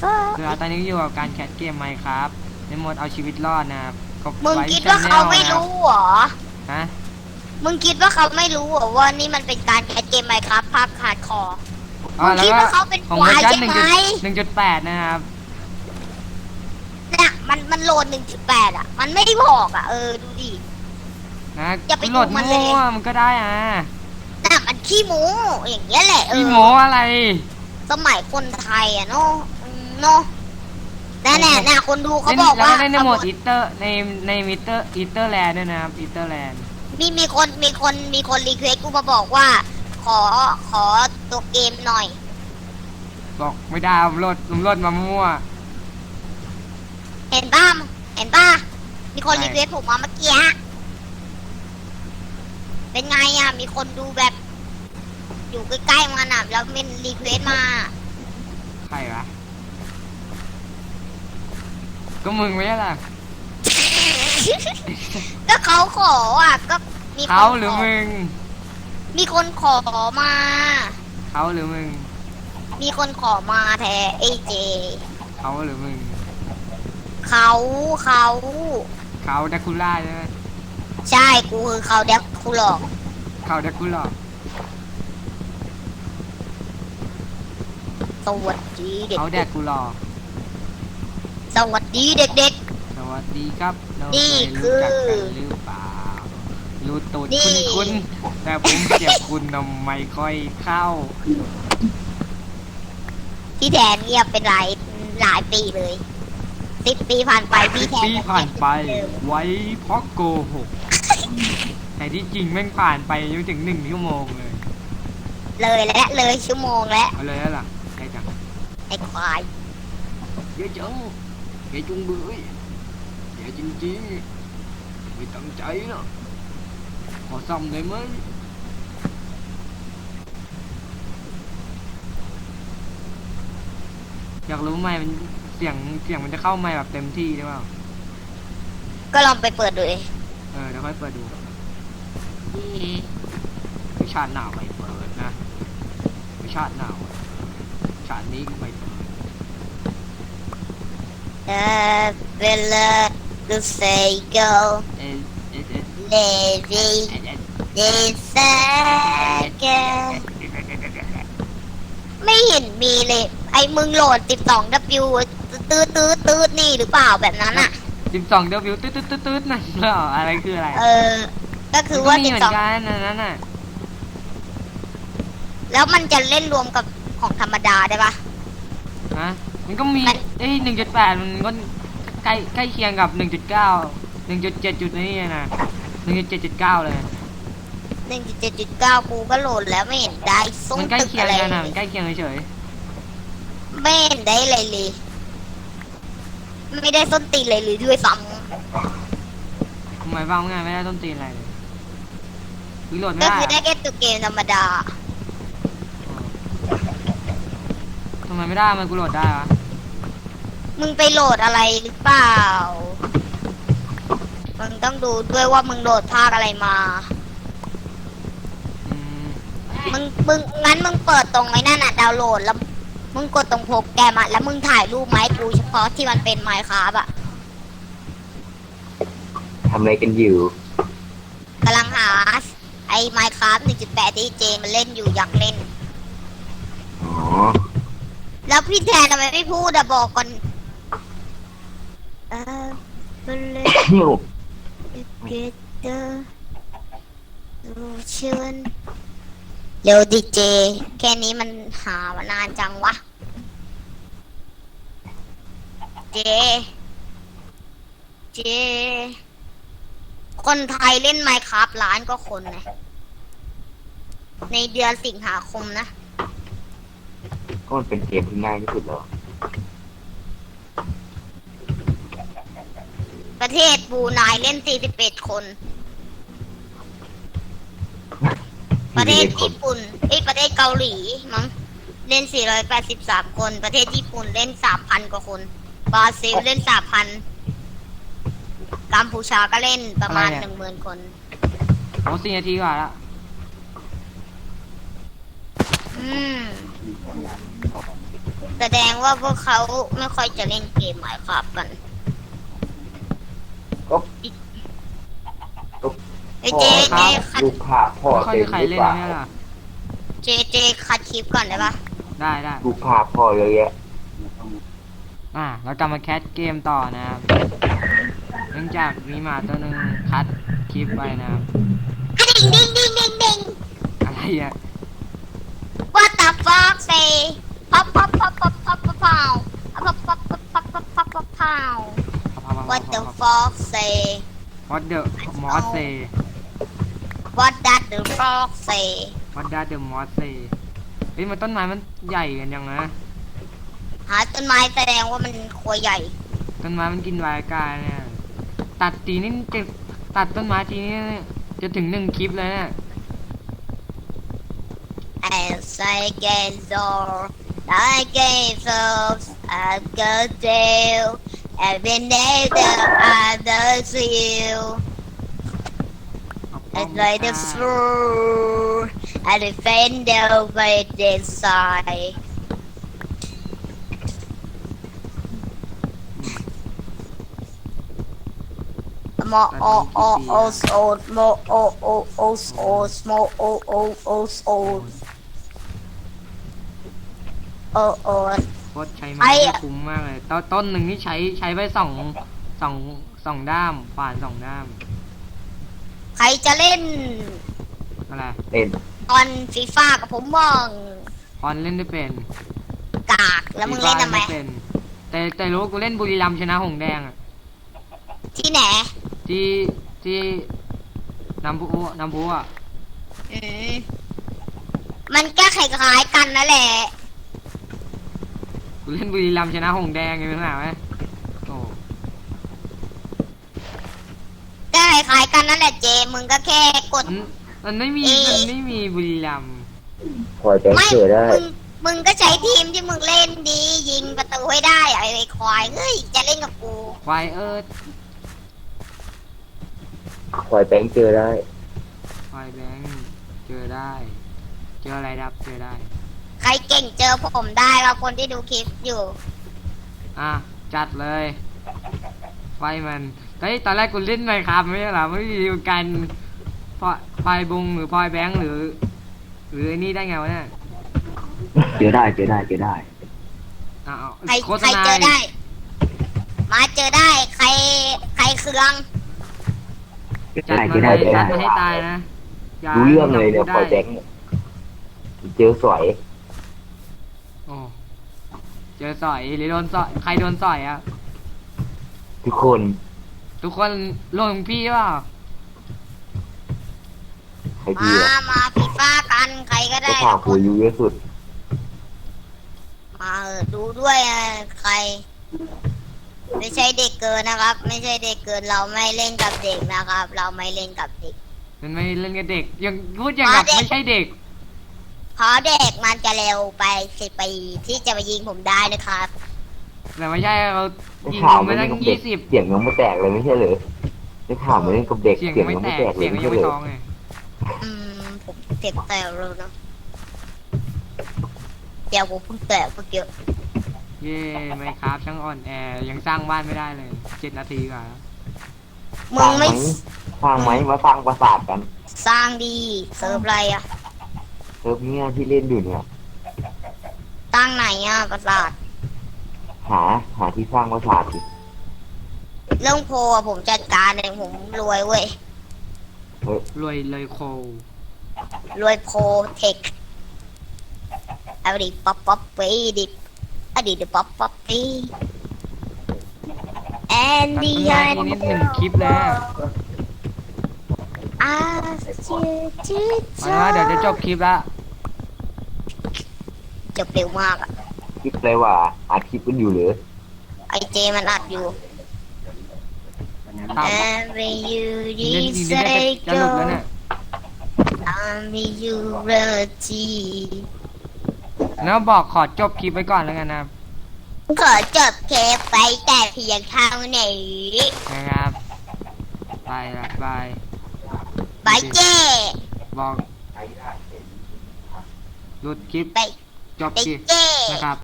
คือตอนนี้อยู่กับการแคสเกมไหมครับในโหมดเอาชีวิตรอดนะครับกดมึงไว้คิดว่าเขาไม่รู้เหรอฮะมึงคิดว่าเขาไม่รู้เหรอว่านี่มันเป็นการแคสเกมไหมครับภาพขาดคออ๋อมึงแล้วก็คิดว่าเขาเป็นของควาเวอย ร์ชันใช่ไหม 1.8นะครับเนี่ยมันโหลด 1.8 อ่ะ มันไม่ได้บอกอ่ะดูดินะอย่าไปโหลดดูมันเลยมั่วมันก็ได้อ่ะน่ะมันขี้หมูอย่างเงี้ยแหละพี่โมอะไรสมัยคนไทยอ่ะเนาะเนาะแน่ๆน่ะคนดูเขาบอกแล้วว่าก็เล่นในโหมดอีเตอร์ในมิเตอร์อีเตอร์แลนด์ด้วยนะครับอีเตอร์แลนด์มีคนรีเควสกูมาบอกว่า ขอตัวเกมหน่อยบอกไม่ได้ผมโหลดมามั่วเห็นป่ะมีคนใช่รีเควสผมมาเมื่อกี้เป็นไงอ่ะ มีคนดูแบบ อยู่ใกล้ๆมันอ่ะแล้วมันรีเควสมาใครวะก็มึงไม่ใช่ล่ะก็เขาขออ่ะก็มีคนเขาหรือมึงมีคนขอมาเขาหรือมึงมีคนขอมาแท้เอเจเขาหรือมึงเขาเขาแดกคูล่าใช่ไหมใช่กูคือเขาเด็กกูหลอกเขาแดกคูล่าสวัสดีเด็กเขาแดกคูล่าสวัสดีเด็กสวัสดีครับเรานี่เคยคือรู้จักกันหรือเปล่ารู้ตูดนี่คุณแต่ผมเจ็บคุณทำไมค่อยเข้าๆพี่แทนเงียบเป็นหลายปีเลย10 ปีผ่านไปพี่แทนปีผ่านไปไว้เพราะโกหกแต่ที่จริงแม่งผ่านไปยังไม่ถึง1 ชั่วโมงเลยเลยชั่วโมงแล้วเอาเลยแล้วล่ะใครจังไอ้ควายเยอะจังเยอะจุงเบื่อเยอะจริงๆไม่ตั้งใจนะขอซ่อมได้ไหมอยากรู้ไหมมันเสียงมันจะเข้าไหมแบบเต็มที่หรือเปล่าก็ลองไปเปิดดูดิเดี๋ยวค่อยเปิดดูวิชาติหนาวไม่เปิดนะวิชาติหนาวชาตินี้ไม่เปิดเวลาดูเซโกเอ๊ะเอ๊ะเอ๊ะเลวีเอ๊ะเอ๊ะเดซเกไม่เห็นมีเลย ไอ้มึงโหลด 12W ตื้อนี่หรือเปล่าแบบนั้นอ่ะ 12 W ตืดนั่นเหรออะไรคืออะไรก็คือว่ามันก็มีเหมือนกันอันนั้นน่ะแล้วมันจะเล่นรวมกับของธรรมดาได้ปะฮะมันก็มี1.8มันก็ใกล้เคียงกับ 1.9 1.7 จุดนี้นะ 1.7.9 เลย 1.7.9 กูก็โหลดแล้วไม่เห็นได้ส้มมันใกล้ตึกเคียงอะไรกันเลนะยมันใกล้เคียงเฉยไม่เห็นได้เลยเลย ไม่ได้ส้นตีนเลยหรือด้วยซ้ๆทำไมบ้างไงไม่ได้ต้นตีนอะไรเลยวิโหลดำไม่ก็ได้คือได้แค่ตัวเกมธรรมดาทำไมไม่ได้มันกูโหลดได้วะมึงไปโหลดอะไรหรือเปล่า มึงต้องดูด้วยว่ามึงโหลดภาคอะไรมาอืมงั้นมึงเปิดตรงไอ้นั่นน่ะดาวน์โหลดแล้ว มึงกดตรงโปรแกรมอะแล้วมึงถ่ายรูปมาให้กูเฉพาะที่มันเป็นไมค์ครับอะทำอะไรกันอยู่กำลังหาไอ้ไมค์ครับ 1.8 ที่เจมันเล่นอยู่อยากเล่นอ๋อแล้วพี่แทนทำไมไม่พูดอะบอกก่อนมันเล่น เกเตอร์รูเชิญเร็วดิเจ แค่นี้มันหามานานจังวะ เจ คนไทยเล่นไมค์ครับล้านก็คนนะในเดือนสิงหาคมนะก็มันเป็นเกมที่ง่ายที่สุดแล้วประเทศบรูไนเล่น 41 คน ประเทศญี่ปุ่นประเทศเกาหลีมั้งเล่น 483 คน ประเทศญี่ปุ่นเล่น 3,000 กว่าคน บราซิลเล่น 3,000 กัมพูชาก็เล่นประมาณ 10,000 คนโอ้4 นาทีกว่าละอืมแสดงว่าพวกเขาไม่ค่อยจะเล่นเกมหมายครับกันก็เอ้ยเจคัดลูกค้าพ่อไม่ค่อยเต็มีมใครหรือเล่นเปล่าเนี่ยล่ะเจคัดคลิปก่อนได้ปะได้ได้ลูกค้าพ่อเยอะแยะเรากลับมาแคสเกมต่อนะครับเนื่องจากมีหมาตัวหนึ่งคัดคลิปไปนะครับดิ่งอะไรอ่ะ What the fuck say pop pop pop pop pop pop pow pop pop pop pop pop pop pop pow What the fuck say What the Moss say What that the fuck say What does the Moss say เฮ้ยมันต้นไม้มันใหญ่กันยังนะหาต้นไม้แสดงว่ามันครัวใหญ่ต้นไม้มันกินวายกายเนี่ยตัดทีนี้จะตัดต้นไม้ทีนี้จะถึง1 คลิปเลยเนี่ย As I get old I get folks I go down Every day that I does you It's like the floor and the fender by this side. More old, more old, small old. โอ้โอ้โคตรใช้ไม้ที่คุ้มมากเลยต้นหนึ่งนี่ใช้ไปสองด้ามป่าน2 ด้ามใครจะเล่นอะไรเล่นตอนฟีฟ่ากับผมบ้างพรเล่นได้เป็นกากแล้วมึงเล่นทำไมเป็นแต่รู้ว่ากูเล่นบุรีรัมย์ชนะหงส์แดงอ่ะที่ไหนที่น้ำพุอ่ะอืมมันก็คล้ายๆกันนั่นแหละกูเล่นบุรีรัมย์ชนะหงส์แดงไงเป็นไงไหมโอ้ก็คล้ายๆกันนั่นแหละเจ มึงก็แค่กดมันไม่มีบุรีรัมย์คอยแบงไม่เจอได้มึงก็ใช้ทีมที่มึงเล่นดี ยิงประตูให้ได้ไอ้ควายเฮ้ยจะเล่นกับกูควายเอิร์ธคอยแบงเจอได้ควายแบงค์เจอได้ เจออะไรครับเจอได้ใครเก่งเจอผมได้ครับคนที่ดูคลิปอยู่จัดเลย ไฟมันเฮ้ยตอนแรกกูเล่นไมค์ครับไม่ใช่เหรอไม่มีการพอยบุงหรือพอยแบงค์หรือไอ้นี่ได้ไงวะเนี่ยเจอได้อ้าวใครโฆษใครณาเจอได้ มาเจอได้ ใครเคืองจัดมาเลยจัดมาให้ตายนะย่ารู้เรื่องเลยเนี่ยให้คอยแบได้งเจอสวยโอ้เจอสอยหรือโดนสอยใครโดนสอยอ่ะทุกคนทุกคนลงพี่เปล่าใครดีอะมาฟีฟ่ากันใครก็ก็ได้ข่าวกูอายุเยอะสุดมาดูด้วยใคร ไม่ใช่เด็กเกินนะครับ ไม่ใช่เด็กเกินเราไม่เล่นกับเด็กนะครับ เราไม่เล่นกับเด็กมันไม่เล่นกับเด็กยังพูดอย่างกับมาเด็กไม่ใช่เด็กเพราะเด็กมันจะเร็วไป10 ปีที่จะมายิงผมได้นะครับแต่ไม่ใช่เราได้ยิงข่าวไปไม่เล่ตั้นงกับเด็ก 20 เสียงยังไม่แตกเลยไม่ใช่เหรอได้ข่าวไม่เล่นกับเด็กเสียงเสียงไม่ยังแตไม่กแตกเลเสียยงไม่ยังใช่ไม่เหรท้อองไงผมเสียงแตกเลยนะเดี๋ยวผมเพิ่งแตกเมื่อกี้เย่ไม่ครับช่างอ่อนแอยังสร้างบ้านไม่ได้เลย7 นาทีกว่าแล้วมึงไม่สร้างไหมมาสร้างปราสาทกันสร้างดีเซิร์ฟอะไรอะเซิร์ฟเนี่ยที่เล่นอยู่เนี่ยตั้งไหนอะประสาทหาที่สร้างปราสาทดิเรื่องโพลอะผมจัดการเองผมรวยเว้ยรวยเลยโครวยโพลเทคเอาดิป๊อปป๊อปไปดิอดีตป๊อปป๊อปไปแอนตัดดี้ต้นไม้ทีนี้1 คลิปแล้วอาชื่อเอาละเดี๋ยวจะจบคลิปละจบเร็วมากอะคลิปเลยว่าอัดคลิปกันอยู่หรือไอเจมันอัดอยู่ตาม Every you อีกนิด say จะหลุดแล้ว go เนี่ย Every you reality แล้วบอกขอจบคลิปไว้ก่อนแล้วกันนะครับขอจบเคปไปแต่เพียงเท่านี้นะครับบายละบายบายเจบอกหลุดคลิปไปจบไปคลิปเจนะครับ